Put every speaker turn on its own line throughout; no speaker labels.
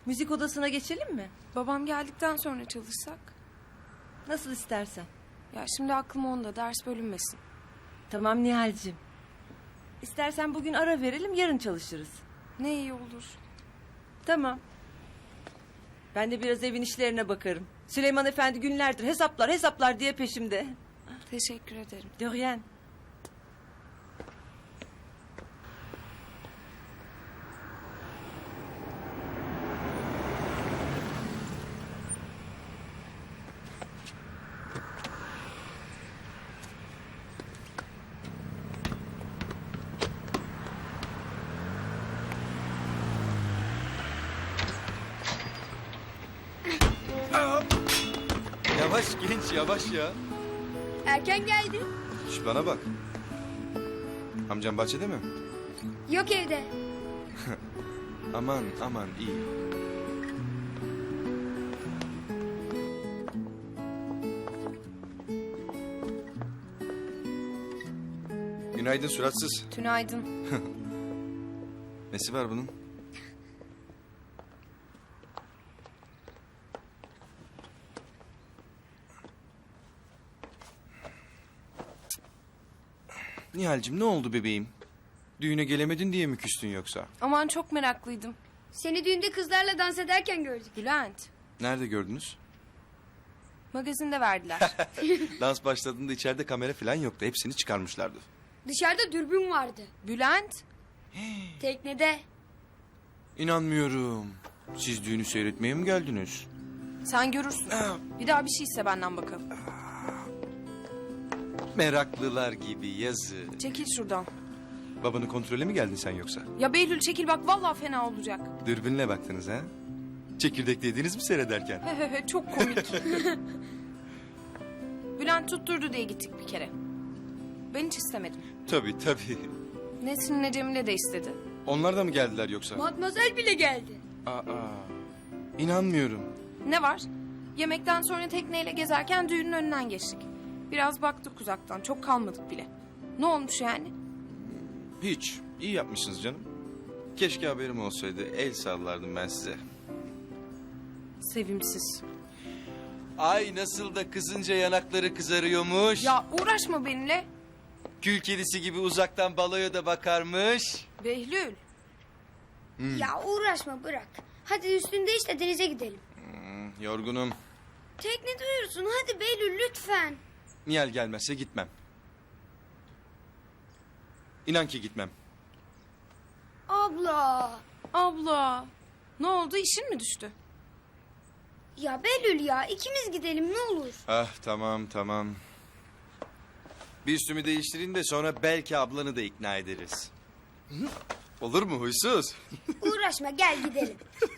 Müzik odasına geçelim mi?
Babam geldikten sonra çalışsak.
Nasıl istersen.
Ya şimdi aklım onda, ders bölünmesin.
Tamam Nihal'cim. İstersen bugün ara verelim, yarın çalışırız.
Ne iyi olur.
Tamam. Ben de biraz evin işlerine bakarım. Süleyman Efendi günlerdir hesaplar diye peşimde.
Teşekkür ederim.
De rien.
Yavaş genç yavaş ya.
Erken geldi.
Şş bana bak. Amcam bahçede mi?
Yok evde.
Aman aman iyi. Günaydın suratsız.
Tünaydın.
Nesi var bunun? Nihal'cim ne oldu bebeğim? Düğüne gelemedin diye mi küstün yoksa?
Aman çok meraklıydım.
Seni düğünde kızlarla dans ederken gördük.
Bülent,
Nerede gördünüz?
magazinde verdiler.
Dans başladığında içeride kamera falan yoktu. Hepsini çıkarmışlardı.
Dışarıda dürbün vardı.
Bülent,
Teknede.
İnanmıyorum. Siz düğünü seyretmeye mi geldiniz?
sen görürsün. Bir daha bir şey iste benden bakalım.
Meraklılar gibi yazı.
Çekil şuradan.
Babanı kontrole mi geldin sen yoksa?
Ya Behlül çekil bak, vallahi fena olacak.
Dürbünle baktınız ha? Çekirdek yediniz mi seyrederken?
Çok komik. Bülent tutturdu diye gittik bir kere. Ben hiç istemedim.
Tabii tabii.
Nesrin'le Cemile de istedi.
Onlar da mı geldiler yoksa?
Matmazel bile geldi.
Aa, inanmıyorum.
Ne var? Yemekten sonra tekneyle gezerken düğünün önünden geçtik. Biraz baktık uzaktan, çok kalmadık bile. Ne olmuş yani?
Hiç. İyi yapmışsınız canım. Keşke haberim olsaydı. El sallardım ben size.
Sevimsiz.
Ay nasıl da kızınca yanakları kızarıyormuş.
Ya uğraşma benimle.
Kül kedisi gibi uzaktan baloya da bakarmış.
Behlül.
Ya uğraşma bırak. Hadi üstünde işte denize gidelim.
Yorgunum.
Teknede uyursun hadi Behlül lütfen.
Nihal gelmezse gitmem. İnan ki gitmem.
Abla.
Abla. Ne oldu, işin mi düştü?
Ya Behlül ya ikimiz gidelim ne olur.
Ah tamam. Bir üstümü değiştireyim de sonra belki ablanı da ikna ederiz. Olur mu huysuz?
Uğraşma gel gidelim.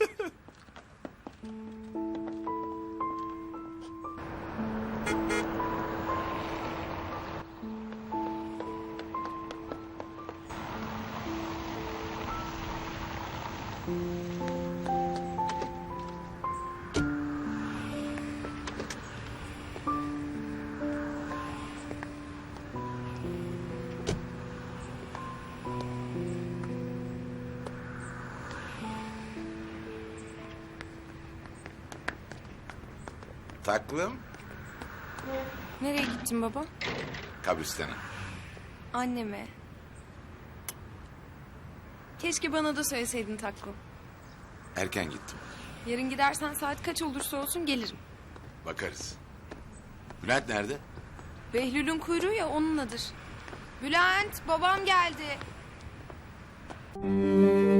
Taklım
Nereye gittin baba?
kabristana.
Anneme. Keşke bana da söyleseydin taklım.
Erken gittim.
Yarın gidersen saat kaç olursa olsun gelirim.
Bakarız. Bülent nerede?
Behlül'ün kuyruğu ya, onunladır. Bülent, babam geldi.